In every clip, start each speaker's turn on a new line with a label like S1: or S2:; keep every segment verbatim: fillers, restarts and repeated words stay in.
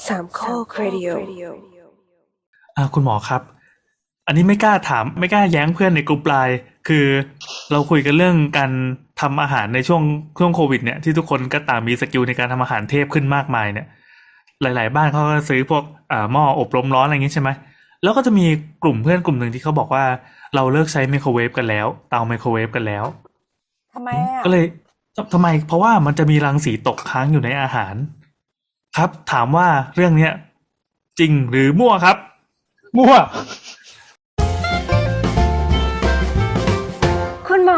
S1: สามข้อครดิโอ
S2: อ่าคุณหมอครับอันนี้ไม่กล้าถามไม่กล้าแย้งเพื่อนในกลุ่มไลน์คือเราคุยกันเรื่องการทำอาหารในช่วงช่วงโควิดเนี่ยที่ทุกคนก็ต่างมีสกิลในการทำอาหารเทพขึ้นมากมายเนี่ยหลายๆบ้านเขาก็ซื้อพวกอ่าหม้ออบลมร้อนอะไรอย่างงี้ใช่ไหมแล้วก็จะมีกลุ่มเพื่อนกลุ่มหนึ่งที่เขาบอกว่าเราเลิกใช้ไมโครเวฟกันแล้วเตาไมโครเวฟกันแล้ว
S3: ทำไมอ่ะ
S2: ก็เลยทำไมเพราะว่ามันจะมีรังสีตกค้างอยู่ในอาหารครับถามว่าเรื่องเนี้ยจริงหรือมั่วครับ
S4: มั่ว
S1: คุณหมอ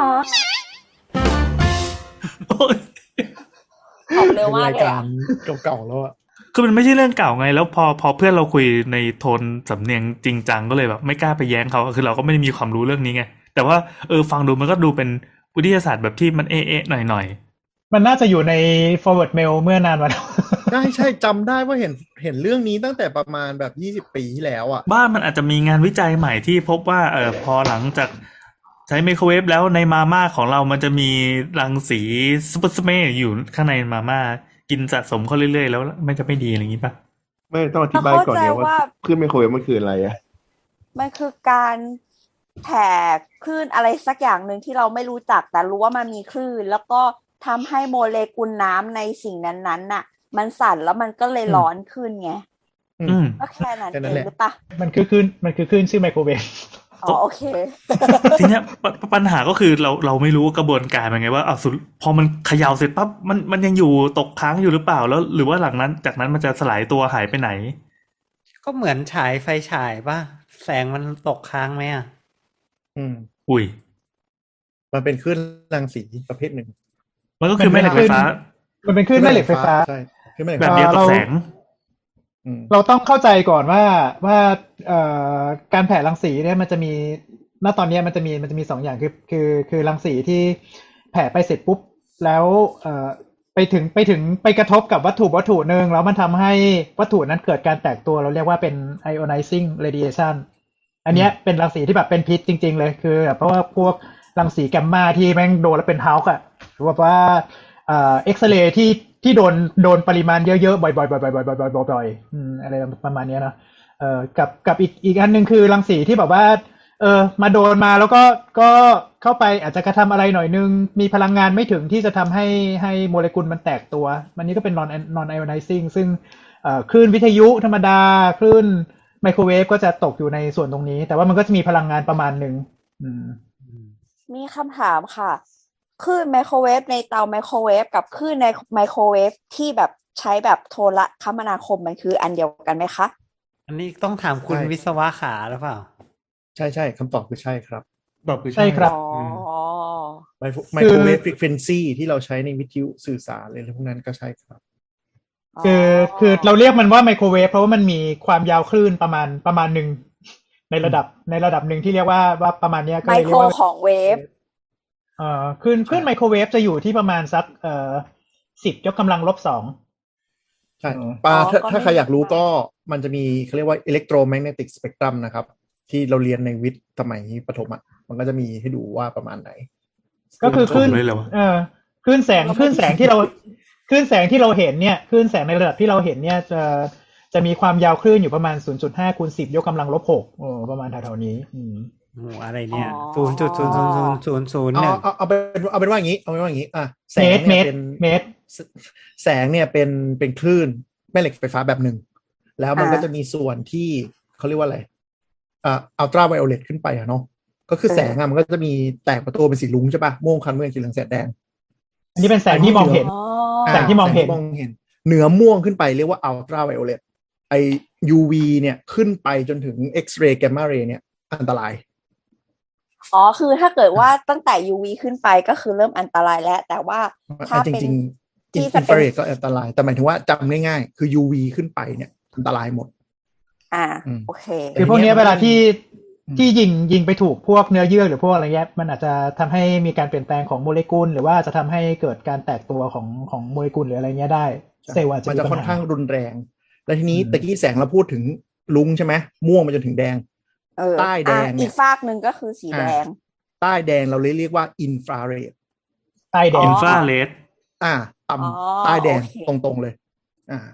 S2: โอ๊ย
S3: ตอบเร็ว
S4: เป็น
S3: มาก
S4: ราย
S3: เลย
S4: กา
S3: อะ
S4: รเก่าๆแล้วอะ
S2: คือมันไม่ใช่เรื่องเก่าไงแล้วพอพอเพื่อนเราคุยในโทนสำเนียงจริงจังก็เลยแบบไม่กล้าไปแย้งเขาคือเราก็ไม่ได้มีความรู้เรื่องนี้ไงแต่ว่าเออฟังดูมันก็ดูเป็นวิทยาศาสตร์แบบที่มันเอ๊ะๆหน่อย
S4: มันน่าจะอยู่ใน forward mail เมื่อนานมาแล้ว
S5: ใช่ใช่จำได้ว่าเห็นเห็นเรื่องนี้ตั้งแต่ประมาณแบบยี่สิบปีที่แล้วอ่ะ
S2: ๆบ้านมันอาจจะมีงานวิจัยใหม่ที่พบว่าเออพอหลังจากใช้ไมโครเวฟแล้วในมาม่าของเรามันจะมีรังสีซูเปอร์สเมย์อยู่ข้างในมาม่ากินสะสมเข้าเรื่อยๆแล้วมันจะไม่ดีอะไรอย่างนี้ปะ
S6: ไม่ต้องอธิ
S3: เรา
S6: บาย
S3: เข้า
S6: ก่อน
S3: ใจ
S6: เนี่ยว่า
S3: ว่า
S6: คลื่นไมโครเวฟมันคืออะไรอะ
S3: มันคือการแผ่คลื่นอะไรสักอย่างหนึ่งที่เราไม่รู้จักแต่รู้ว่ามันมีคลื่นแล้วก็ทำให้โมเลกุลน้ำในสิ่งนั้นๆน่ะ มันสั่นแล้วมันก็เลยร้อนขึ้นไง
S2: อืม
S3: ก็แค่นั้น
S5: แค่
S3: เอ
S5: นั้น
S3: ง
S5: แหละ
S3: หรือปะ
S4: มันคือคลื่นมันคือคลื่นชื่อไมโครเวฟ
S3: อ๋อโอเค
S2: ทีเนี้ยปปปัญหาก็คือเราเราไม่รู้ว่ากระบวนการมันไงว่าอ้าวสุดพอมันเขย่าเสร็จปั๊บมันมันยังอยู่ตกค้างอยู่หรือเปล่าแล้ว หรือว่าหลังนั้นจากนั้นมันจะสลายตัวหายไปไหน
S7: ก็เหมือนฉายไฟฉายป่ะแสงมันตกค้างไหมอ่ะ
S5: อืม
S2: อุ้ย
S5: มันเป็นคลื่นรังสีประเภทหนึ่ง
S2: มันก็คือแม่เหล็กไฟฟ้า
S4: มันเป็นคลื่นแม่เหล็กไฟฟ้า
S5: ใช่คลื่นแม่เหล็ก
S2: แบ
S5: ไฟ
S2: บ
S5: ฟ้า
S2: เดียวกับ
S4: เรา
S2: แสง
S5: อืม
S4: เราต้องเข้าใจก่อนว่าว่าเอ่อการแผ่รังสีเนี่ยมันจะมีณตอนนี้มันจะมีมันจะมีสองอย่างคือคือคือรังสีที่แผ่ไปเสร็จปุ๊บแล้วเอ่อไปถึงไปถึงไปกระทบกับวัตถุวัตถุหนึ่งแล้วมันทำให้วัตถุนั้นเกิดการแตกตัวเราเรียกว่าเป็น ionizing radiation อันเนี้ยเป็นรังสีที่แบบเป็นพิษจริงๆเลยคือแบบเพราะว่าพวกรังสีแกมมาที่แม่งโดนแล้วเป็นเฮาส์อะหรือว่าเอ่อเอ็กซเรย์ที่ที่โดนโดนปริมาณเยอะๆบ่อยๆบ่อยๆบ่อยๆบ่อยๆบ่อยๆอืมอะไรประมาณเนี้ยเนาะเอ่อกับกับอีกอีกอันหนึ่งคือรังสีที่แบบว่าเออมาโดนมาแล้วก็ก็เข้าไปอาจจะกระทำอะไรหน่อยนึงมีพลังงานไม่ถึงที่จะทำให้ให้โมเลกุลมันแตกตัวมันนี้ก็เป็น non non ionizing ซึ่งเอ่อคลื่นวิทยุธรรมดาคลื่นไมโครเวฟก็จะตกอยู่ในส่วนตรงนี้แต่ว่ามันก็จะมีพลังงานประมาณหนึ่งอืม
S3: มีคำถามค่ะคลื่นไมโครเวฟในเตาไมโครเวฟกับคลื่นในไมโครเวฟที่แบบใช้แบบโทรคมนาคมมันคืออันเดียวกันไหมคะ
S7: อันนี้ต้องถามคุณ
S5: ใช่
S7: วิศวะขาหรือเปล่า
S5: ใช่ใช่คำตอบคือใช่ครับ
S2: แบบคือ
S4: ใช่ครับ
S3: อ๋อ
S5: ไมโครไมโครเวฟฟรีเควนซีที่เราใช้ในวิทยุสื่อสารอะไรพวกนั้นก็ใช่ครับ
S4: คือคือเราเรียกมันว่าไมโครเวฟเพราะว่ามันมีความยาวคลื่นประมาณประมาณหนึ่งในระดับในระดับหนึ่งที่เรียกว่าว่าประมาณเนี้ยก็
S3: ไม
S4: เลย
S3: โค
S4: เรี
S3: ร
S4: ยกว่า
S3: ของเวฟ
S4: เอ่อคลื่นคลื่นไมโครเวฟจะอยู่ที่ประมาณสักเอ่อสิบยกกำลังลบสอง
S5: ใช่
S4: อืม
S5: ปา
S3: อ๋อ
S5: ถ้า
S3: ก็
S5: ถ้า
S3: ไม่
S5: ใครอยากรู้
S3: มาก
S5: ก็มันจะมีเขาเรียกว่า electromagnetic spectrum นะครับ ที่เราเรียนในวิทย์สมัยประถมอ่ะมันก็จะมีให้ดูว่าประมาณไหน
S4: ก็คือคลื่น
S2: เลยเหรอวะ
S4: เออคลื่นแสงคลื่นแสงที่เราคลื่นแสงที่เราเห็นเนี่ยคลื่นแสงในระดับที่เราเห็นเนี่ยจะจะมีความยาวคลื่นอยู่ประมาณ ศูนย์จุดห้า คูณสิบยกกำลังลบหกโอ้ประมาณแถวๆนี้อืม
S7: โอ้โหอะไรเนี่ย
S3: อ๋อ
S7: ศูนย์จุดศูนย์ศูนย์ศูนย์ศูนย์ศูนย์ห
S5: เอา
S7: นึ่ง
S5: เอาเอาเป็นเอาเป็นว่าอย่างนี้เอาเป็นว่าอย่างนี้อ่ะแส
S4: เม
S5: ง
S4: ตรเม
S5: เนี่ย
S4: ตร
S5: เป็น
S4: เมตร
S5: แสงเนี่ยเป็นเป็นคลื่นแม่เหล็กไฟฟ้าแบบหนึ่งแล้วมัน
S3: อ่า
S5: ก็จะมีส่วนที่เขาเรียกว่าอะไรอ่าอัลตราไวโอเลตขึ้นไปอะเนาะก็คือแสงอะมันก็จะมีแตกประตูเป็นสีลุ้งใช่ปะม่วงคันเมืองสีเหลืองแสดแดง
S4: อันนี้เป็นแสงที่มองเห็น
S3: อ๋อ
S4: แสงที่มองเห็น
S5: แสมองเห็นเหนือม่วงขึ้นไปเรียกว่าอัลตราไวโอเลตไอ ยู วี เนี่ยขึ้นไปจนถึง X-ray Gamma Ray เนี่ยอันตราย
S3: อ๋อคือถ้าเกิดว่าตั้งแต่ ยู วี ขึ้นไปก็คือเริ่มอันตรายแล้ว แต่ว่าถ้า
S5: จ
S3: เป็น
S5: ริงๆ
S3: ที่
S5: อิ
S3: จะ
S5: นฟ
S3: เป็
S5: ราน เรดก็อันตราย แต่หมายถึงว่าจำง่ายๆ คือ ยู วี ขึ้นไปเนี่ยอันตรายหมด
S3: อ่า
S5: อืม
S3: โอเค
S4: คือพวกเนี้ยเวลาที่
S5: อืม
S4: ที่ยิงยิงไปถูกพวกเนื้อเยื่อหรือพวกอะไรเงี้ยมันอาจจะทำให้มีการเปลี่ยนแปลงของโมเลกุลหรือว่าจะทำให้เกิดการแตกตัวของของโมเลกุลหรืออะไรเงี้ยได้เซลล์อาจจะ
S5: มัน
S4: มี
S5: จะ
S4: ปัญ
S5: ค่อน
S4: หา
S5: ข้างรุนแรง แล้วทีนี้
S4: อืม
S5: ตะกี้แสงเราพูดถึงลุงใช่ไหมม่วงไปจนถึงแดง
S3: เออ
S5: ใต้แดง
S3: อ่ะ
S5: เนี่ย
S3: อีกฟากหนึ่งก็คือสีแดง
S5: ใต้แดงเราเลยเรียกว่าอินฟราเรด
S4: ใต้แด
S3: อ๋
S4: ง
S2: อิน
S3: อ
S2: ฟราเรด
S5: อ่า
S3: อ๋อ
S5: ต่ำใต้แดง
S3: โอเค
S5: ตรงๆเลย อ่า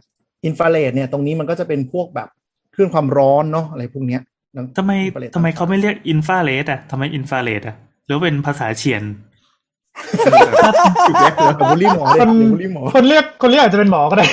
S5: อินฟราเรดเนี่ยตรงนี้มันก็จะเป็นพวกแบบคลื่นความร้อนเนาะอะไรพวกเนี้ย
S2: ทำไม
S5: อินฟราเรด
S2: ทำไมเขาไม่เรียกอินฟราเรดอ่ะทำไมอินฟราเรดอ่ะหรือว่าเป็นภาษาเฉียน
S6: จุดแรกเลย
S5: เดี๋ยวบูลลี่หมอเลย
S4: คน
S5: เดี๋ยวบูลลี่หมอ
S4: คนเรียกคนเรียกอาจจะเป็นหมอก็ได้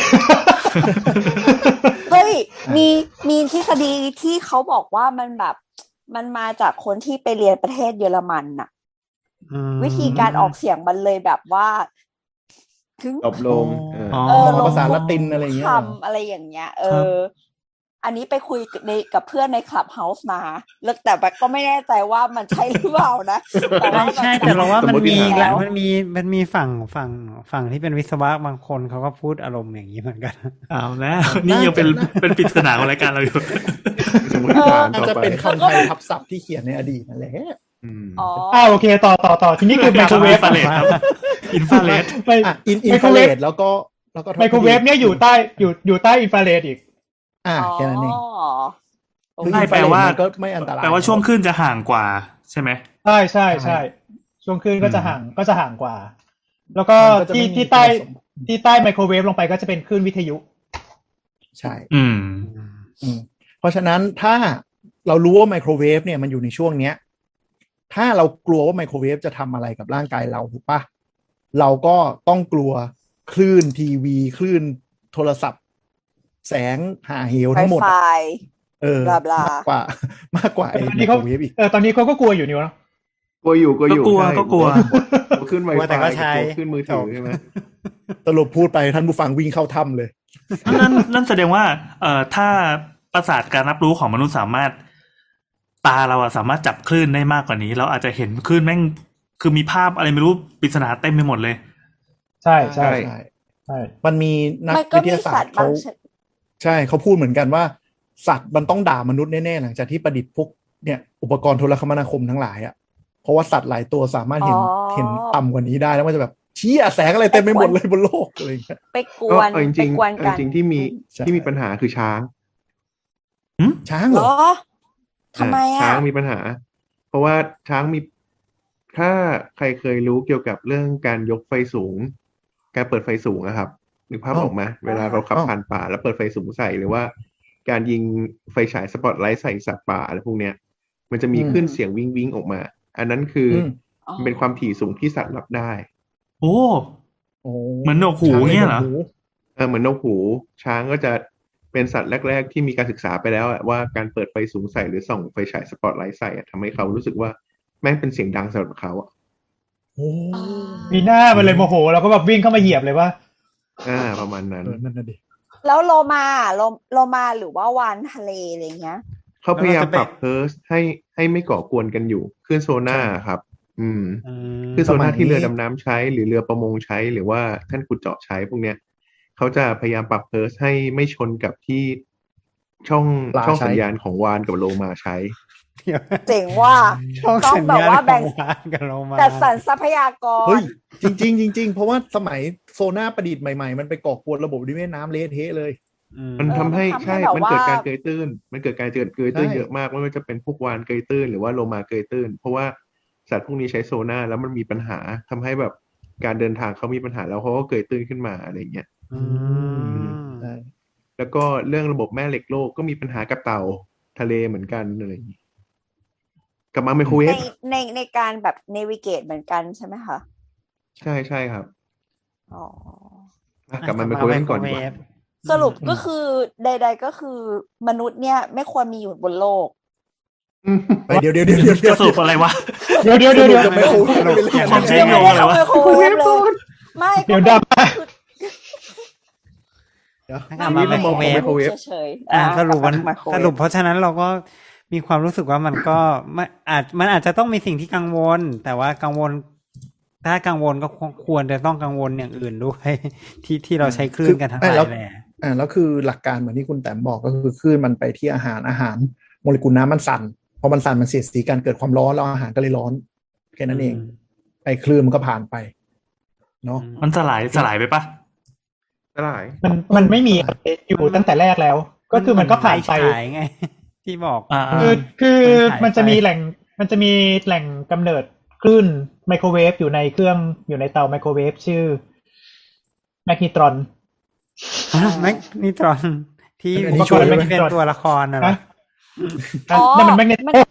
S3: เฮ้ยมีมีทฤษฎีที่เขาบอกว่ามันแบบมันมาจากคนที่ไปเรียนประเทศเยอรมันน่ะ
S7: อืม
S3: วิธีการออกเสียงมันเลยแบบว่าถึง
S6: ตบลงเออ
S2: อ๋อ
S3: เออลง
S5: ภาษาละตินอะไรอย่างเงี้ยเหรอ
S3: คำอะไรอย่างเงี้ย เอ
S2: ครับ
S3: อ อันนี้ไปคุยในกับเพื่อนในคลับเฮาส์มาแล้วแต่แบบก็ไม่แน่ใจว่ามันใช่หรือเปล่านะแต่ว่า
S7: ไม่ใช่แต่เราว่ามันมี
S6: สมมติฐาน
S7: แล้วมันมีมันมีฝั่งฝั่งฝั่งที่เป็นวิศวะบางคนเขาก็พูดอารมณ์อย่างนี้เหมือนกัน
S2: เอาแล้ว นี่ยังเป็นเป็นปริศนาของรายการเราอยู่
S6: สมมติฐาน
S5: อาจ
S6: ต่อ
S5: จะ
S6: ไป
S5: เป็นคำไทยทับศัพท์ที่เขียนในอดีตนั่นแหละ
S6: อืม
S3: อ๋อ
S4: อ่าโอเคต่อต่อต่อทีนี้คือไมโครเวฟ
S2: อินฟราเรดครับอินฟราเรด
S4: ไม่
S5: อ่ะอินอิน
S4: ไม
S5: ฟ
S4: โคร
S5: รา
S4: เว
S5: เร
S4: ฟ
S5: ดแล้วก็แล้วก็
S4: ไมโครเวฟเนี่ยอยู่ใต้อยู่อยู่ใต้อินฟราเรดอีก
S5: อ่าแค่นั้นเอง
S3: อ๋อ
S5: คือ
S2: ใช่
S5: อินฟ
S2: แป
S5: รา
S2: ล
S5: เรด
S2: ว่า
S5: มันก็ไม่อันตราย
S2: แปลว่าช่วงคลื่นจะห่างกว่าใช่ไหม
S4: ใช่ใช่ใช่ช่วงคลื่นก็จะห่างก็จะห่างกว่า แล้วก็ที่ที่ใต้ที่ใต้ไมโครเวฟลงไปก็จะเป็นคลื่นวิทยุ
S5: ใช่
S2: อืม
S5: อืมเพราะฉะนั้นถ้าเรารู้ว่าไมโครเวฟเนี่ยมันอยู่ในช่วงเนี้ย ถ้าเรากลัวว่าไมโครเวฟจะทำอะไรกับร่างกายเราถูกปะเราก็ต้องกลัวคลื่นทีวีคลื่นโทรศัพท์ แสงหาเหวทั้งหมด
S3: ไฟ
S5: เออ
S3: บลาบลา
S5: มากกว่ามากกว่าไอ้
S4: ตอน
S5: ไม
S4: นี้
S5: โค
S4: เขา
S5: รเวฟอีก
S4: เออตอนนี้เขาก็กลัวอยู่นี่วะ
S6: กลัวอยู่กลัวอยู่
S2: ก็กลัว
S6: ใช่
S2: ก็กลัว
S6: กลัวขึ้นไว
S7: กลัว
S6: ไฟ
S7: แต่ก็ใช้
S6: ขึ้นมือถือใช่ไหม
S5: สรุปพูดไปท่านผู้ฟังวิ่งเข้าถ้ำเลย
S2: นั่นนั่นแสดงว่าเอ่อถ้าประสาทการรับรู้ของมนุษย์สามารถตาเราอะสามารถจับคลื่นได้มากกว่านี้ เราอาจจะเห็นคลื่นแม่งคือมีภาพอะไรไม่รู้ปริศนาเต็มไปหมดเลย
S4: ใช่ใช่
S5: ใช่
S4: ใช่
S5: มันมีนัก
S3: มันก็
S5: วิท
S3: มี
S5: ยาศา
S3: สั
S5: ส
S3: ต
S5: ตร์
S3: ว์บา
S5: เขา
S3: งชนิด
S5: ใช่เขาพูดเหมือนกันว่า สัตว์มันต้องด่ามนุษย์แน่ๆหลังจากที่ประดิษฐ์พวกเนี่ยอุปกรณ์โทรคมนาคมทั้งหลายอ่ะเพราะว่าสัตว์หลายตัวสามารถเห็น
S3: อ๋อ
S5: เห็นต่ำกว่านี้ได้แล้วมันจะแบบเชี่ยแสงอะไรเต็มไปหมดเลยบนโลกอะไรอย่างเงี้ย
S3: ไปก
S6: ก็
S3: วน
S6: เอาจ
S3: ไป
S6: ริง
S3: กวน
S6: ๆเอา
S3: กัน
S6: จริงๆที่มี
S5: ใช่
S6: ที่มีปัญหาคือช้าง
S5: ช้าง
S3: เห
S5: เห
S3: ร
S5: รอ
S3: อทำไม
S6: ช้า
S3: อ่ะ
S6: งมีปัญหา เพราะว่าช้างมี ถ้าใครเคยรู้เกี่ยวกับเรื่องการยกไฟสูง การเปิดไฟสูงอะครับนึกภาพออกไหมเวลาเราขับผ่านป่าแล้วเปิดไฟสูงใส่หรือว่า การยิงไฟฉายสปอตไลท์ใส่สัตว์ป่าอะไรพวกเนี้ย มันจะมีขึ้นเสียงวิงวิงออกมา อันนั้นคืออ
S5: ม
S6: มันเป็นความถี่สูงที่สัตว์รับได้
S2: โอ้
S5: โอ้
S2: เหมือนหนวกหูเงี้ยเหรอ
S5: ช้างลนกหู
S6: เออเหมือนนกหูช้างก็จะเป็นสัตว์แรก ๆ ที่มีการศึกษาไปแล้วอะว่าการเปิดไฟสูงใส่หรือส่องไฟฉายสปอตไลท์ใส่อะทำให้เขารู้สึกว่าแม่งเป็นเสียงดังสำหรับเขาอะ
S5: โอ้
S4: มีหน้ามันเลยโมโหแล้วก็แบบวิ่งเข้ามาเหยียบเลยว่า
S6: อ่าประมาณนั้น
S5: เออนั่นน่ะดิ
S3: แล้วโลมาโลโลมาหรือว่าวานทะเลอะไรเงี้ย
S6: เขาพยายาม
S7: แล้วมันจะ
S6: ปรับเพิร์สให้ให้ไม่ก่อกวนกันอยู่คลื่นโซน่าครับ อืม
S7: อืม
S6: คลื่นโซน่าที่เรือดำน้ำใช้หรือเรือประมงใช้หรือว่าท่านขุดเจาะใช้พวกเนี้ยเขาจะพยายามปรับเพิร์สให้ไม่ชนกับที่ช่อง
S5: ปลา
S6: ช่อง
S5: ใช้
S6: สัญญาณของวานกับโลมาใช้
S7: เดี๋ยว
S3: เจ๋งว่า
S7: ช่อง
S3: ต้อง
S7: สัญ
S3: แบบ
S7: ญาณ
S3: ว่า
S7: ข
S3: แบ่
S7: อง
S3: ง
S7: วานกับโลมา
S3: แต่สรรทรัพยากร
S5: เฮ้ยจริงๆจริงๆเพราะว่าสมัยโซน่าประดิษฐ์ใหม่ๆ มันไปก่อกวนระบบนิเวศน้ำเละเทะเลย
S7: อืม
S6: มันทำให้
S3: มันทำให้
S6: ใช่
S3: แบบ
S6: มันเกิด
S3: ว่า
S6: การเกยตื้น มันเกิดการเกิดเกยตื้น
S5: ใช่
S6: เยอะมากไม่ว่าจะเป็นพวกวานเกยตื้นหรือว่าโลมาเกยตื้น เพราะว่าสัตว์พวกนี้ใช้โซน่าแล้วมันมีปัญหาทำให้แบบการเดินทางเขามีปัญหาแล้วเขาก็เกยตื้นขึ้นมาอะไรอย่างเงี้ย
S7: อืม
S5: ใช่
S6: แล้วก็เรื่องระบบแม่เหล็กโลกก็มีปัญหากับเต่าทะเลเหมือนกันอะไรอย่างงี้กลับมาไมโครเว
S3: ใน
S6: ฟ
S3: ในในการแบบเนวิเกตเหมือนกันใช่ไหมคะ
S6: ใช่ใช่ครับ
S3: อ๋อ
S6: อ่ะกลับมาไมโครเวฟก่อนดีกว่า
S3: สรุปก็คือใด ๆ ก็คือมนุษย์เนี่ยไม่ควรมีอยู่บนโลก
S5: ไปเดี๋ยวเดี๋ยวเดี๋ยวเดี๋ยวเดี๋
S2: จะ
S5: ยว
S2: สรุปอะไรวะ
S4: เดี๋ยวเดี๋ยวเดี๋ยวเดี๋ยว
S5: จะไมโครเวฟไปเลย
S2: ความเชื่อ
S3: ยังไม่ได้เข้าไมโครเวฟเลยไม่
S4: เดี๋ยวดราม่า
S5: เดี๋ยว
S7: กลับมาไมโครเวฟ
S6: ไมโครเวฟ
S3: เฉยๆ
S7: อ่า
S3: อ่า
S7: สรุปมัน
S3: กลับมาไมโคเวฟ
S7: สรุปเพราะฉะนั้นเราก็มีความรู้สึกว่ามันก็ไม่อาจมันอาจจะต้องมีสิ่งที่กังวล แต่ว่ากังวล ถ้ากังวลก็ควรจะต้องกังวลอย่างอื่นด้วย ที่ที่เราใช้คลื่นกันทั้งหลาย
S5: แล้ว
S7: แหละ
S5: อ่าแล้วคือหลักการเหมือนที่คุณแต้มบอกก็คือคลื่นมันไปที่อาหารอาหารโมเลกุลน้ำมันสั่นพอมันสั่นมันเสียดสีกันเกิดความร้อนแล้วอาหารก็เลยร้อนแค่นั้นเอง
S7: อืม
S5: ไอ้คลื่นมันก็ผ่านไปเนาะ
S2: มันสลายสลายไปปะ
S6: สลาย
S4: มันมันไม่มีอยู่ตั้งแต่แรกแล้ว ก็คือมันก็ผ่านไป
S7: ไฟฉายไง ที่บอก
S2: อ่า
S4: คือคือ
S7: มันหายไป
S4: มันจะมีแหล่งมันจะมีแหล่งกำเนิดคลื่นไมโครเวฟอยู่ในเครื่องอยู่ในเตาไมโครเวฟชื่อแมกนิตรอน
S7: แมกนิตรอนที่
S5: อันนี้
S7: ที่
S5: ช่วยไหม
S7: ที่เป็นตัวละครน่ะเหรอ
S4: ฮะนั่นมันแมกเนต
S3: มัน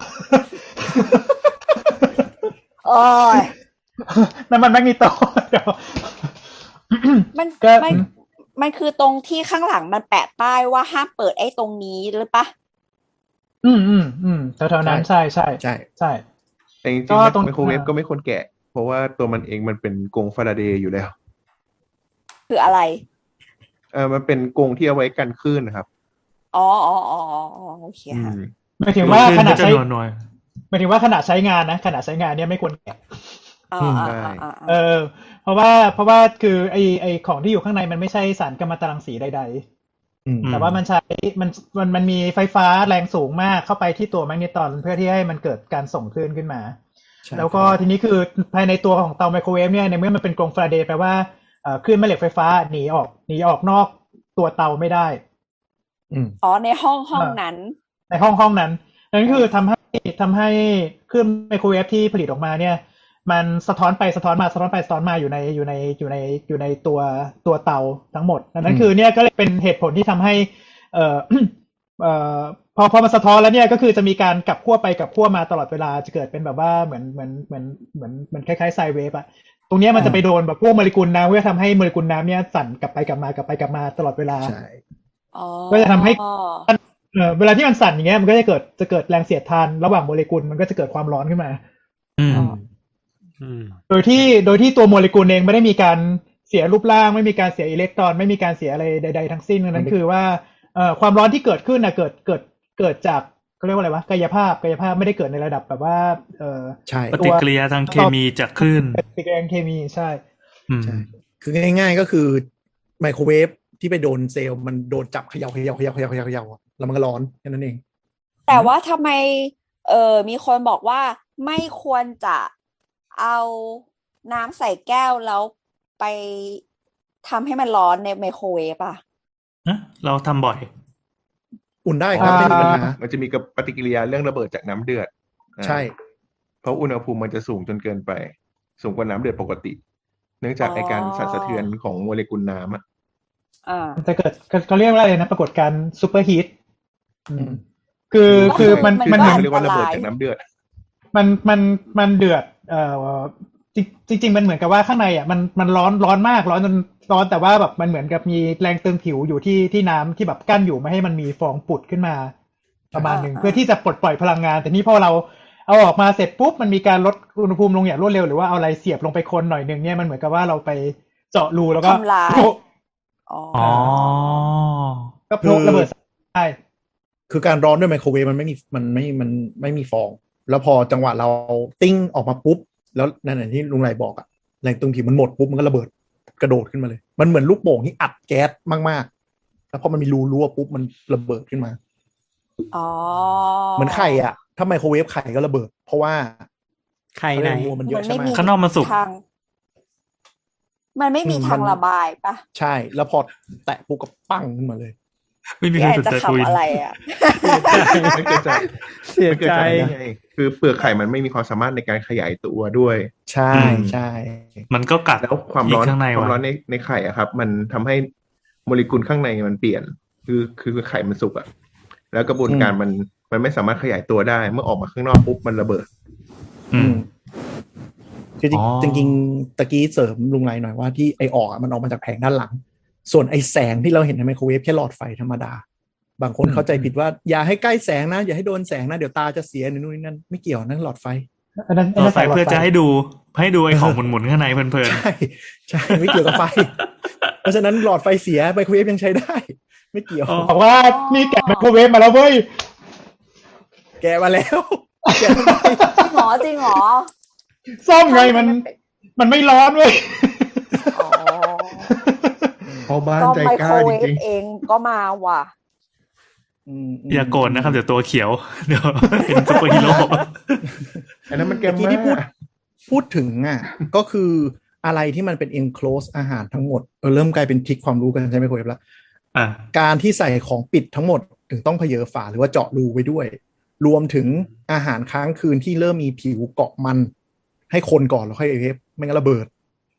S3: โอ้ย
S4: นั่นมันแมกนีโตเดี๋ยว
S3: มัน
S4: ก็
S3: มันมันคือตรงที่ข้างหลังมันแปะป้ายว่าห้ามเปิดไอ้ตรงนี้หรือปะ
S4: อืมอืมอืมแถวๆนั้นใช่ใช่
S5: ใช่
S4: ใช่
S6: แต่จริง
S4: ก็
S6: ๆ
S4: ตรง
S6: ไมโครเวฟก็ไม่ควรแกะ เพราะว่าตัวมันเองมันเป็นกรงฟาราเดย์อยู่แล้ว
S3: คืออะไร
S6: เออมันเป็นกรงที่เอาไว้กันคลื่นนะครับ
S3: อ๋ออ๋ออ๋ออ๋ออ๋อโอเค
S6: อื
S3: ค่ะ
S6: ม
S4: หมายถึงว่า
S2: ขึ้น
S4: ขนา
S2: ก็
S4: ด
S2: จะ
S4: ใช้
S2: หน่วย
S4: หมายถึงว่าขนาดใช้งานนะขนาดใช้งานเนี่ยไม่ควรแกะ
S3: อ่า
S5: อืม
S3: อ่า
S6: ได้
S3: อ่า
S4: เอ
S3: อ่า
S4: อ เพราะว่าเพราะว่าคือไอไอของที่อยู่ข้างในมันไม่ใช่สารกัมมันตรังสีใด
S5: อืม
S4: ๆ แต่ว่ามันใช้มันมันมันมีไฟฟ้าแรงสูงมากเข้าไปที่ตัวแมกนีตรอนเพื่อที่ให้มันเกิดการส่งคลื่นขึ้นมา
S5: ใช่
S4: แล้วก็ทีนี้คือภายในตัวของเตาไมโครเวฟเนี่ยในเมื่อมันเป็นกรงฟาราเดย์แปลว่าเอ่อคลื่นแม่เหล็กไฟฟ้าหนีออกหนีออกนอกตัวเตาไม่ได้
S5: อืม
S3: อ๋อในห้องห้องนั้น
S4: ในห้องห้องนั้นนั่นคือทำให้ทำให้คลื่นไมโครเวฟที่ผลิตออกมาเนี่ย มันสะท้อนไปสะท้อนมาสะท้อนไปสะท้อนมาอยู่ในอยู่ในอยู่ในอยู่ในตัวตัวเตาทั้งหมดดังนั้นคือเนี่ยก็เลยเป็นเหตุผลที่ทำให้เอ่อ เอ่อพอพอมันสะท้อนแล้วเนี่ยก็คือจะมีการกลับขั้วไปกลับขั้วมาตลอดเวลาจะเกิดเป็นแบบว่าเหมือนเหมือนเหมือนเหมือนเหมือนคล้ายๆไซเวฟอะตรงเนี้ยมันจะไปโดนแบบพวกโมเลกุลน้ำเพื่อทำให้โมเลกุลน้ำเนี่ยสั่นกลับไปกลับมากลับไปกลับมาตลอดเวลา
S5: ใช่
S3: อ๋อ
S4: ก็จะทำให้ เอ่อเวลาที่มันสั่นอย่างเงี้ยมันก็จะเกิดจะเกิดแรงเสียดทานระหว่างโมเลกุลมันก็จะเกิดความร้อนขึ้นมา
S2: ๆอืม
S7: อืม
S4: โดยที่โดยที่ตัวโมเลกุลเองไม่ได้มีการเสียรูปร่างไม่มีการเสียอิเล็กตรอนไม่มีการเสียอะไรใดๆทั้งสิ้นดังนั้นคือว่าเอ่อความร้อนที่เกิดขึ้นนะเกิดเกิดเกิดจากเขาเรียกว่าอะไรวะกายภาพกายภาพไม่ได้เกิดในระดับแบบว่าเอ่อ
S5: ใช่
S2: ปฏิกิริยาทางเคมีจากคลื่น
S4: ปฏิกิริยาเคมีใช่
S2: อืม
S5: ใช่คือง่ายๆก็คือไมโครเวฟที่ไปโดนเซลล์มันโดนจับเขย่าเขย่าเขย่าเขย่าเขย่าเขย่าอะแล้วมันก็ร้อนแค่นั้นเอง
S3: แต่ว่าทำไม เออมีคนบอกว่าไม่ควรจะเอาน้ำใส่แก้วแล้วไปทำให้มันร้อนในไมโครเวฟอ่ะ
S2: ฮะเราทำบ่อย
S5: อุ่นได้ครับไม่มีปัญหา
S6: มันจะมีกับปฏิกิริยาเรื่องระเบิดจากน้ำเดือดอ่า
S5: ใช่
S6: เพราะอุณหภูมิมันจะสูงจนเกินไป สูงกว่าน้ำเดือดปกติ เนื่องจาก
S3: อ๋อ
S6: ไอการสั่นสะเทือนของโมเลกุลน้ำอ่ะ
S3: อ่า
S4: มันจะเกิดเขาเรียกว่าอะไรนะปรากฏการณ์ซูเปอร์ฮีท
S5: อืม
S4: คือ
S3: ก็
S4: คือมัน
S3: มัน
S4: มัน
S3: ก็
S4: เหมือน
S6: เขาเรียกว่าระเบิด
S3: อันตราย
S6: จากน้ำเดือด
S4: มันมันมันเดือดเอ่อจริงจริง ๆ มันเหมือนกับว่าข้างในอ่ะมันมันร้อนร้อนมากร้อนจนร้อนแต่ว่าแบบมันเหมือนกับมีแรงตึงผิวอยู่ที่ที่น้ำที่แบบกั้นอยู่ไม่ให้มันมีฟองปุดขึ้นมาประมาณหนึ่ง
S3: อ่า
S4: เพื่อที่จะปลดปล่อยพลังงาน แต่นี่พอเราเอาออกมาเสร็จปุ๊บมันมีการลดอุณหภูมิลงอย่างรวดเร็วหรือว่าเอาอะไรเสียบลงไปคนหน่อยหนึ่งเนี่ยมันเหมือนกับว่าเราไปเจาะรูแล้วก็
S3: ทำลาย
S4: โผล่
S3: อ๋อ
S2: อ๋อ
S4: ก็โผล่ระเบิดได้
S5: คือการร้อนด้วยไมโครเวฟมันไม่มีมันไม่มันไม่มีฟอง แล้วพอจังหวะเราติ้งออกมาปุ๊บ แล้วนั่นแหละที่ลุงไรบอกอะแรงตึงผิวมันหมดปุ๊บมันก็ระเบิดกระโดดขึ้นมาเลย มันเหมือนลูกโป่งที่อัดแก๊สมากๆ แล้วพอมันมีรูรั่วปุ๊บมันระเบิดขึ้นมา
S3: อ๋อ
S5: เหมือนไข่อะถ้าไมโครเวฟไข่ก็ระเบิด เพราะว่า
S7: ไข่ไหน
S5: แรงรัวมันเย
S3: มั
S5: อะ
S3: น
S5: ใช่
S3: ไม่
S5: ไหม
S3: มี
S2: ข้างนอกมันสุก
S3: ทาง มันไม่มี
S5: อืม
S3: ทาง
S5: มัน
S3: ระบายปะ
S5: ใช่ แล้วพอแตะปุ๊บก็ปั้งขึ้นมาเลย
S2: ไม่มี
S3: พี่
S2: ใคร
S3: แอน
S2: สน
S3: จะ
S2: ใจคุย
S3: ขำอะไรอ่ะ
S6: มันเกิดจาก
S7: เสีย
S6: มันเกิด
S7: ใจ
S6: จากอะไรไงคือเปลือกไข่มันไม่มีความสามารถในการขยายตัวด้วย
S5: ใช่
S2: อืม
S5: ใช่
S2: มันก็กัด
S6: แล้วความร้อน
S2: ข้างใน
S6: ความร้อ
S2: ว่ะ
S6: นในในไข่อะครับ มันทำให้โมเลกุลข้างในมันเปลี่ยน คือคือไข่มันสุกอะแล้วกระบวนการมันมันไม่สามารถขยายตัวได้ เมื่อออกมาข้างนอกปุ๊บมันระเบิด
S2: อืม
S5: คือจริง
S2: อ๋อ
S5: จริงๆตะกี้เสริมลุงไรหน่อยว่าที่ไอออกอะมันออกมาจากแผงด้านหลัง ส่วนไอแสงที่เราเห็นในไมโครเวฟแค่หลอดไฟธรรมดา บางคน
S4: อืม
S5: เข้าใจผิดว่าอย่าให้ใกล้แสงนะ อย่าให้โดนแสงนะ เดี๋ยวตาจะเสียหรือนู่นนี่นั่นไม่เกี่ยวนั่นหลอดไฟ
S4: อันนั้น
S2: ต่อไปเพื่อจะให้ดูให้ดูไอ้ของหมุนๆข้างในเพลิน
S5: ใช่ใช่ไม่เกี่ยวกับไฟ เพราะฉะนั้นหลอดไฟเสียไมโครเวฟยังใช้ได้ ไม่เกี่ยว
S2: อ๋อ
S4: บอกว่านี่แกะไมโครเวฟมาแล้วเว้ย
S5: แกะมาแล้วแกะทำไม
S3: จริงเหรอจริงเหรอ
S4: ซ่อมไงมันมันไม่ร้อนเว้ย
S3: อ๋อ
S6: พอบ้าน
S3: ก็
S6: ใจ
S3: ไม
S6: ก
S3: โค
S6: ล้าร
S3: เว
S6: จ
S3: ฟ
S6: ริง
S3: เองก็มาว่ะ
S5: ม
S2: ๆอย่าโกรธนะครับเดี๋ยวตัวเขียว เดี๋ยวเป็นซุปเปอร์ฮีโร่
S6: อันนั้นมันแก
S5: เมื่อกี้
S6: ม
S5: ที่พูด
S6: มา
S5: พูดถึงอ่ะ ก็คืออะไรที่มันเป็น enclose อาหารทั้งหมดเออเริ่มกลายเป็นทริคความรู้กันใช่ไหมคุยแล้ว
S2: อ่ะ
S5: การที่ใส่ของปิดทั้งหมดถึงต้องเพเยอฝาหรือว่าเจาะรูไว้ด้วย รวมถึงอาหารค้างคืนที่เริ่มมีผิวเกาะมัน ให้คนก่อนแล้วค่อยเอฟไม่งั้นระเบิด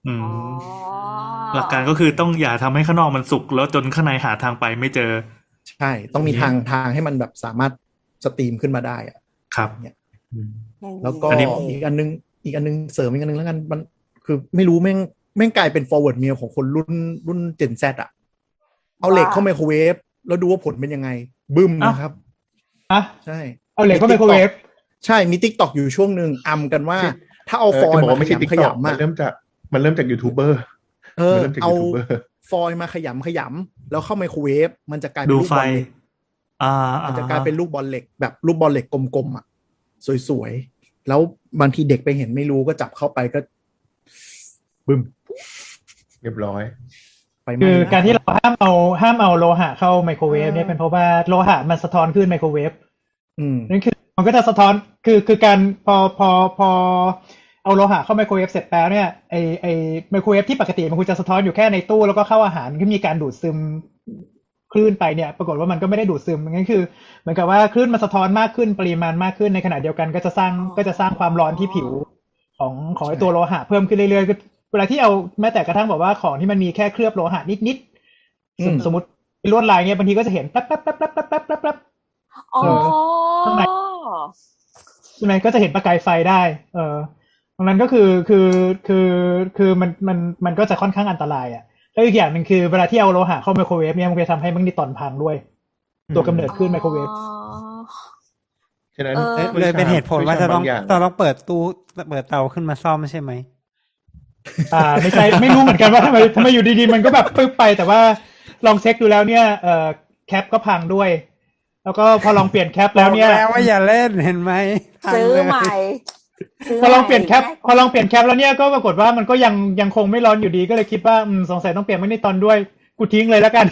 S2: อืม
S3: อ๋อ
S2: หลักการก็คือต้องอย่าทำให้ข้างนอกมันสุกแล้วจนข้างในหาทางไปไม่เจอ
S5: ใช่ต้องมีทางทางให้มันแบบสามารถสตรีมขึ้นมาได้อะ
S2: ครับ
S5: เนี่ย
S3: อย่างนี้
S5: แล้วก็
S2: อันนี้
S5: อีกอันนึงอีกอันนึงเสริมอีกอันนึงแล้วกันมันคือไม่รู้แม่งแม่งกลายเป็น forward meal ของคนรุ่นรุ่น Gen Z อ่ะเอาเหล็กเข้าไมโครเวฟแล้วดูว่าผลเป็นยังไงบึ้มนะครับ
S4: อ่ะ
S5: ใช่
S4: เอาเหล็กเข้าไมโครเวฟ
S5: ใช่มี TikTok อยู่ช่วงหนึ่งอำกันว่า ถ้าเอา
S6: เออ
S5: ฟอย
S6: จะ
S5: ล์
S6: บอก
S5: มา
S6: ว่าไม่
S5: ข
S6: ใช่
S5: ยำ
S6: ติ๊ก
S5: ข
S6: ต็อก
S5: ยำ
S6: มั
S5: อะ
S6: นเริ่มจากมันเริ่มจากยูทูบเบอร์
S5: เออ
S6: มันเริ่มจาก
S5: เอา
S6: ยูทูบเบอร์
S5: ฟอยล์มาขยำขยำแล้วเข้าไมโครเวฟมันจะกลายเป็
S2: ดู
S5: นลูก
S2: ไฟ
S5: บอลเหล็ก
S2: อ่า
S5: มั
S2: อ่าน
S5: จะกลายเป็นลูกบอลเหล็กแบบลูกบอลเหล็กกลมๆอ่ะสวยๆแล้วบางทีเด็กไปเห็นไม่รู้ก็จับเข้าไปก็บึ้ม
S6: เรียบร้อย
S5: ไฟไหม้
S4: คือ
S5: แล้ว
S4: การที่เราห้ามเอาห้ามเอาโลหะเข้าไมโครเวฟเนี่ยเป็นเพราะว่าโลหะมันสะท้อนขึ้นไมโครเวฟ
S5: อืม
S4: นั่นคือมันก็จะสะท้อนคือคือการพอพอพอเอาโลหะเข้าไมโครเวฟเสร็จแล้วเนี่ยไอไอไมโครเวฟที่ปกติมันควรจะสะท้อนอยู่แค่ในตู้แล้วก็เข้าอาหารที่มีการดูดซึมคลื่นไปเนี่ยปรากฏว่ามันก็ไม่ได้ดูดซึมงั้นคือเหมือนกับว่าคลื่นมันสะท้อนมากขึ้นปริมาณมากขึ้นในขณะเดียวกันก็จะสร้างก็จะสร้างความร้อนที่ผิวของของไอตัวโลหะเพิ่มขึ้นเรื่อยๆเวลาที่เอาแม้แต่กระทั่งบอกว่าของที่มันมีแค่เคลือบโลหะนิดๆสมสมมติลวดลายเนี่ยบางทีก็จะเห็นแป๊บแป๊บแป๊บแป๊บแป๊บแป๊บแป๊บแป๊บ
S3: อ๋อ
S4: ข้างใน ใช่ไหมก็จะเห็นประกายไฟได้ เออตรงนั้นก็คือคือคือคือมันมันมันก็จะค่อนข้างอันตรายอ่ะแล้วอีกอย่างหนึ่งคือเวลาที่เอาโลหะเข้าไมโครเวฟเนี่ยมันจะทำให้แมกนีตรอนพังด้วย ตัวกำเนิดขึ้นไมโครเวฟ
S6: ฉะนั้น
S3: เออ
S7: เลยเป็นเหตุผลว่าจะต้อง
S6: บางอย่าง
S7: เราต้องเปิดตู้เปิดเตาขึ้นมาซ่อมใช่ไหม
S4: อ่าไม่ใช่ไม่รู้เหมือนกันว่าทำไมทำไมอยู่ดีๆมันก็แบบปึ๊บไปแต่ว่าลองเช็คดูแล้วเนี่ยเอ่อแคปก็พังด้วย แล้วก็พอลองเปลี่ยนแคปแล้วเนี่ย
S7: บอกแล้วว่าอย่าเล่นเห็นไหมพัง
S3: ซื้อ
S7: เลย
S3: ใหม่ซื้
S4: พอลองเปลี่ยนแคป
S3: ใหม่
S4: พอลองเปลี่ยนแคปแล้วเนี่ยก็ปรากฏว่ามันก็ยังยังคงไม่ร้อนอยู่ดีก็เลยคิดว่าอืมสงสัยต้องเปลี่ยนแมกนีตรอนด้วยกูทิ้งเลยแล้วกัน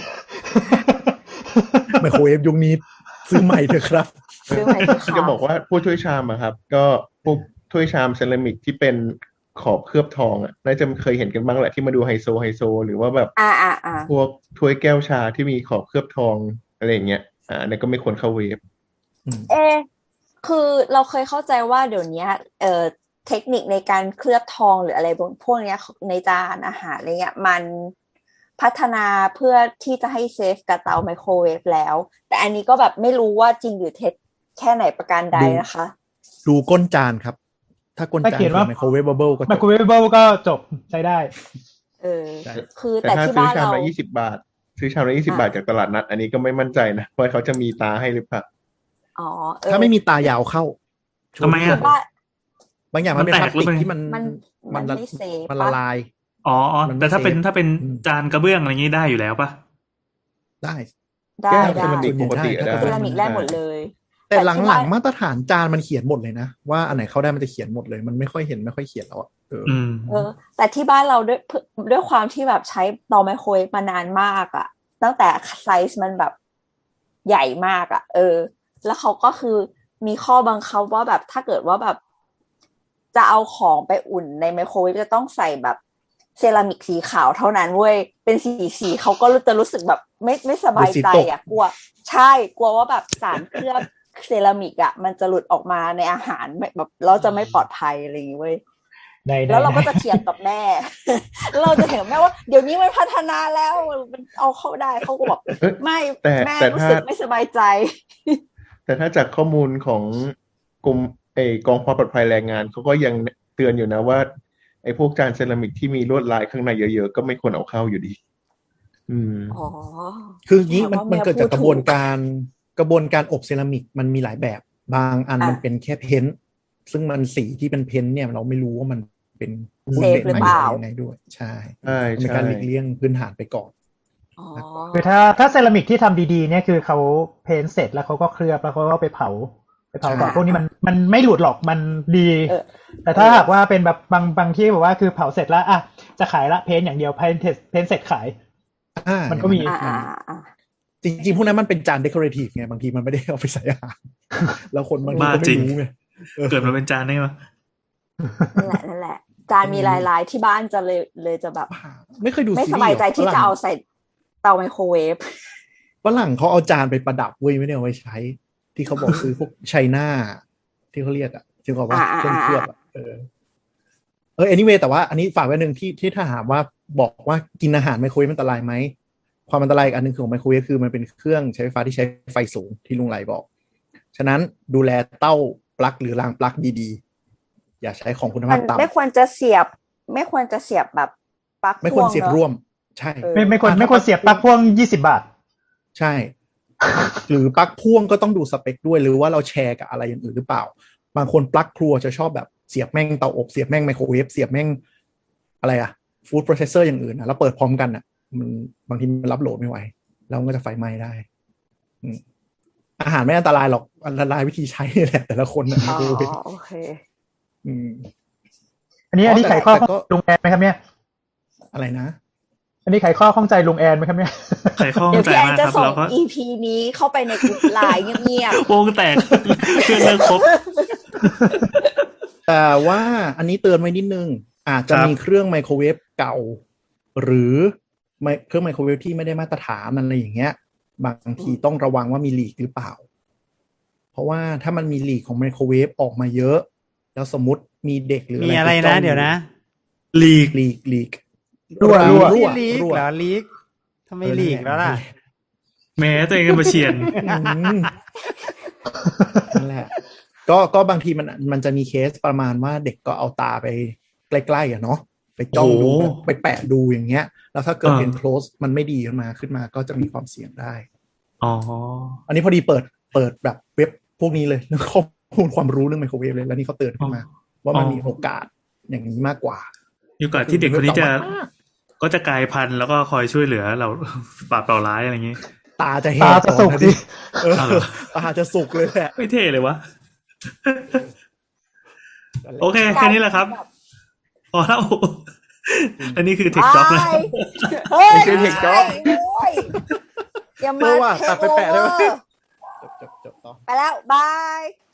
S5: ไมโครเวฟยุคนี้ซื้อใหม่เถอะครับ
S3: ซื้อใหม่เถอะค่ะ
S6: จะบอกว่าพวกถ้วยชามอะครับ ก็พวกถ้วยชามเซรามิกที่เป็นขอบเคลือบทองอะน่าจะเคยเห็นกันบ้างแหละที่มาดูไฮโซไฮโซหรือว่าแบบ
S3: อ่าอ่าอ่า
S6: พวกถ้วยแก้วชาที่มีขอบเคลือบทองอะไรอย่างเงี้ยอ่าอันนี้ก็ไม่ควรเข้าเวฟ
S3: เออคือเราเคยเข้าใจว่าเดี๋ยวนี้เอ่อเทคนิคในการเคลือบทองหรืออะไรพวกเนี้ยในจานอาหารอะไรเงี้ยมันพัฒนาเพื่อที่จะให้เซฟกับเตาไมโครเวฟแล้ว แต่อันนี้ก็แบบไม่รู้ว่าจริงหรือเท็จแค่ไหนประการใดนะคะ
S5: ดูก้นจานครับ ถ้าก้น
S4: ถ้า
S5: จาน
S4: เขียนว่า
S5: ไมโครเวฟบับเบิลก็
S4: ไม
S5: จ
S4: โคร
S5: บ
S4: เวฟเบิลก็จบใช้ได้
S3: เออ
S5: ใช่
S3: คือ
S6: แต่
S3: แต่
S6: ถ้า
S3: ที่
S6: ซื้อ
S3: บ้าน
S6: ชาม
S3: เรา
S6: ละยี่สิบบาท ซื้อชามละยี่สิบาทจากตลาดนัด อันนี้ก็ไม่มั่นใจนะว่าเขาจะมีตาให้หรือเปล่า
S3: อ๋อเออ
S5: ถ้าไม่มีตายาวเข้า
S2: ทำไม
S3: คือ
S2: อ่ะ
S3: บ้าน
S5: บางอย่างมันเป็น
S2: มัน
S5: พ
S2: แต
S5: ลาก ส
S2: หรือ
S5: ติก
S2: ไง
S5: ที่มัน
S3: มันมันไม่เซฟ
S5: มันละ
S3: ปะ
S5: ลาย
S2: อ๋ออ๋อ
S5: มันไม่
S2: แต่ถ้าเป็น
S5: เซฟ
S2: ถ้าเป็น
S5: อืม
S2: จานกระเบื้องอะไรอย่างงี้ได้อยู่แล้วปะ
S5: ได้
S3: ได้
S6: แก้ว
S3: ได้
S6: เซรามิกปกติ
S5: ส่วนใหญ่
S6: ได้
S5: ได้
S3: เซรามิกได้หมดเลย
S5: แต่
S3: ที่
S5: หลัง
S3: บ้าน
S5: ๆมาตรฐานจานมันเขียนหมดเลยนะว่าอันไหนเข้าได้มันจะเขียนหมดเลย มันไม่ค่อยเห็นไม่ค่อยเขียนแล้วอ่ะเออ
S2: อืม
S3: เออแต่ที่บ้านเราด้วยด้วยความที่แบบใช้เตาไมโครเวฟมานานมากอะตั้งแต่ไซส์มันแบบใหญ่มากอะเออ แล้วเขาก็คือมีข้อบังคับว่าแบบถ้าเกิดว่าแบบ จะเอาของไปอุ่นในไมโครเวฟจะต้องใส่แบบเซรามิกสีขาวเท่านั้นเว้ยเป็นสีสีเขาก็จะรู้สึกแบบไม่ไม่สบายใจอะกลัวใช่กลัวว่าแบบสารเคลือบเซรามิกอะมันจะหลุดออกมาในอาหารแบบเราจะไม่ปลอดภัยอะไรอย่างงี้เว้ย
S4: ในใน
S3: แล้วเราก็จะเถียงกับแม่ แล้วเราจะเถียงกับแม่ว่าเดี๋ยวนี้มันพัฒนาแล้วมันเอาเข้าได้เขาก็บอก
S6: เอ้ย
S3: ไม่
S6: แต่
S3: แม่
S6: แต่
S3: รู้
S6: ถ้า
S3: สึกไม่สบายใจ
S6: แต่ถ้าจากข้อมูลของกรมไอ้กองความปลอดภัยแรงงานเขาก็ยังเตือนอยู่นะว่าไอ้พวกจานเซรามิกที่มีลวดลายข้างในเยอะๆก็ไม่ควรเอาเข้าอยู่ดี อืม
S3: อ๋อ
S5: คืออย่างนี้มัน
S3: แต่ว่า
S5: มันเกิดจาก
S3: แม่
S5: ก
S3: พูด
S5: ระบวน
S3: ถูก
S5: การกระบวนการอบเซรามิกมันมีหลายแบบ บางอัน
S3: อ่ะ
S5: มันเป็นแค่เพ้นท์ซึ่งมันสีที่เป็นเพ้นท์เนี่ยเราไม่รู้ว่ามันเป็นหุ้น
S3: เซฟ
S5: เด่น
S3: หรือ
S5: ไหม
S3: เปล่า
S5: ยังไงด้วย ใช่
S6: ใช่
S5: มันเป็น
S6: ใช่
S5: การหลีกเลี่ยงพื้นฐานไปก่อน
S3: อ๋อ
S4: คือถ้าถ้าเซรามิกที่ทำดีๆเนี่ยคือเขาเพ้นท์เสร็จแล้วเขาก็เคลือบแล้วเขาก็ไปเผาไปเผาก่อน
S5: ใช่
S4: พวกนี้มันมันไม่หลุดหรอกมันดี
S3: เออ
S4: แต่ถ้าหากว่าเป็นแบบบางบางที่แบบว่าคือเผาเสร็จแล้วอ่ะจะขายละเพ้นท์อย่างเดียวเพ้นท์เพ้นท์เสร็จขาย
S5: อ่า
S4: มันก็มี
S3: อ่าอ่าอ่า
S5: จริงๆพวกนั้นมันเป็นจานเดคอเรทีฟไงบางทีมันไม่ได้เอาไปใส่อาหาร แล้วคนบางที
S2: บ้า
S5: ก็
S2: จริ
S5: ไม่
S2: ง
S5: รู้ไงเออ
S2: เกิดมาเป็นจานได้ไหม
S3: นั่นแหละนั่นแหละ จานมีลายๆที่บ้านจะเลยเลยจะแบบ
S5: ไม่เคยดู
S3: ไม่
S5: ซี
S3: ส
S5: รี
S3: บาย
S5: ส์
S3: ใจที่จะเอาใส่เตาไมโครเวฟ
S5: ฝรั่งเขาเอาจานไปประดับเว้ยไม่ได้เอาไว้ใช้ ที่เขาบอกซื้อพวกไชน่าที่เขาเรียกอ่ะที่เขาว่า
S3: อ่า
S5: เครื่อง
S3: อ่า
S5: เคลือบอ่ะเออเออ anyway แต่ว่าอันนี้ฝากไว้หนึ่งที่ที่ถ้าถามว่าบอกว่ากินอาหารไมโครเวฟอันตรายไหมความอันตรายอีกอันหนึ่งของไมโครเวฟคือมันเป็นเครื่องใช้ไฟฟ้าที่ใช้ไฟสูงที่ลุงไหลบอกฉะนั้นดูแลเต้าปลั๊กหรือรางปลั๊กดีๆอย่าใช้ของคุณ
S3: มั
S5: ภาน พต่ำ
S3: ไม่ควรจะเสียบ ไม่ควรจะเสียบแบบปลั๊ก
S5: ไม่ควรเสียบ
S3: พ่งนอะ
S5: ร่วมใช่
S3: เออ
S4: ไม่ไม่ควรไม่ควรเสียบปลั๊กพ่วงยี่สิบบาท
S5: ใช่ หรือปลั๊กพ่วงก็ต้องดูสเปคด้วยหรือว่าเราแชร์กับอะไรอย่างอื่นหรือเปล่าบางคนปลั๊กครัวจะชอบแบบเสียบแม่งเตาอบเสียบแม่งไมโครเวฟเสียบแม่งอะไรอะฟู้ดโปรเซสเซอร์อย่างอื่นนะแล้วเปิดพร้อมกันอะมันบางทีมันรับโหลดไม่ไหวแล้วมันก็จะไฟไหม้ได้อืมอาหารไม่อันตรายหรอกอันตรายวิธีใช้นี่แหละแต่ละคนนะไม
S3: อ๋อ
S5: โครเวฟ
S3: โอเค
S5: อืม
S4: อันนี้อันนี้
S5: อ๋อแต่
S4: ไขข้อ
S5: แต่ก็
S4: ลุงแอนไหมครับเนี่ย
S5: อะไรนะ
S4: อันนี้ไขข้อข้องใจลุงแอนไหมครับเนี่ย
S2: ไขข้อ
S3: เดี๋ยว
S2: ใจ
S3: พี่แอน
S2: มาก
S3: จะ
S2: ครับ
S3: ส่ง
S2: แล้วก็
S3: อี พี นี้เข้าไปในกลุ่มไลน์เงียบ
S2: วงแตกเพื่อนเลิกครบ
S5: แต่ว่าอันนี้เตือนไว้นิดนึงอาจจะ
S2: ครับ
S5: มีเครื่องไมโครเวฟเก่า หรือไมเครื่องไมโครเวฟที่ไม่ได้มาตรฐานอะไรอย่างเงี้ย บางทีต้องระวังว่ามีลีกหรือเปล่า เพราะว่าถ้ามันมีลีกของไมโครเวฟออกมาเยอะ แล้วสมมติมีเด็กหรือ
S7: มี
S5: อะ
S7: อะไร ไร
S5: ปจ้
S7: นะ
S5: อง
S7: เดี๋ยวนะ
S2: ลีก
S5: ลีกลีก
S4: รั่วรั่ว
S5: รั่ว
S7: ลีก
S5: รั่ว
S7: เหรอลีกทำไมลีกแล้วล่ะ
S2: แม้ตัวเองก็มาเชียน
S5: อืมนั่นแหละ ก็ก็บางทีมันมันจะมีเคสประมาณว่าเด็กก็เอาตาไปใกล้ๆอ่ะเนาะไปจ้องดู
S2: โอ้
S5: ไปแปะดูอย่างเงี้ย แล้วถ้าเกิด
S2: อ่า
S5: เป็น close มันไม่ดีขึ้นมาขึ้นมาก็จะมีความเสี่ยงได้
S2: อ๋อ
S5: อันนี้พอดีเปิดเปิดแบบเว็บพวกนี้เลยเรื่องข้อมูลความรู้เรื่องไมโครเวฟเลยแล้วนี่เขาเตือนขึ้นมา ว่ามัน
S2: อ๋อ
S5: มีโอกาสอย่างนี้มากกว่า
S2: อยู่กับที่เด็กคนนี้จะ
S5: แต่ว่า
S2: ก็จะกลายพันธุ์แล้วก็คอยช่วยเหลือเรา ปราบเปล่าร้ายอะไรอย่างนี้
S5: ตาจะแห
S4: ตาก จะสุก
S5: ก่อนน
S4: ดิ
S5: เออ
S2: เอาเหรอ
S5: ตาจะสุกเลยแหละ
S2: ไม่เท่เลยวะ โอเค แค่นี้แหละครับ พอแล้ว อันนี้คือ
S3: ๆ
S2: เทคจ็อกนะ
S3: บายเฮ้ย
S5: ไม่ใช่ Tech Job
S3: โอ้ยอย่า
S5: เอ
S3: มา
S5: อว่ะ
S3: เท
S5: ตัด
S3: ค
S5: ไป
S3: โอ
S5: แปะได้
S3: เว
S5: ไหม
S3: อร์
S5: จบจบจบต่อ
S3: ไปแล้ว บาย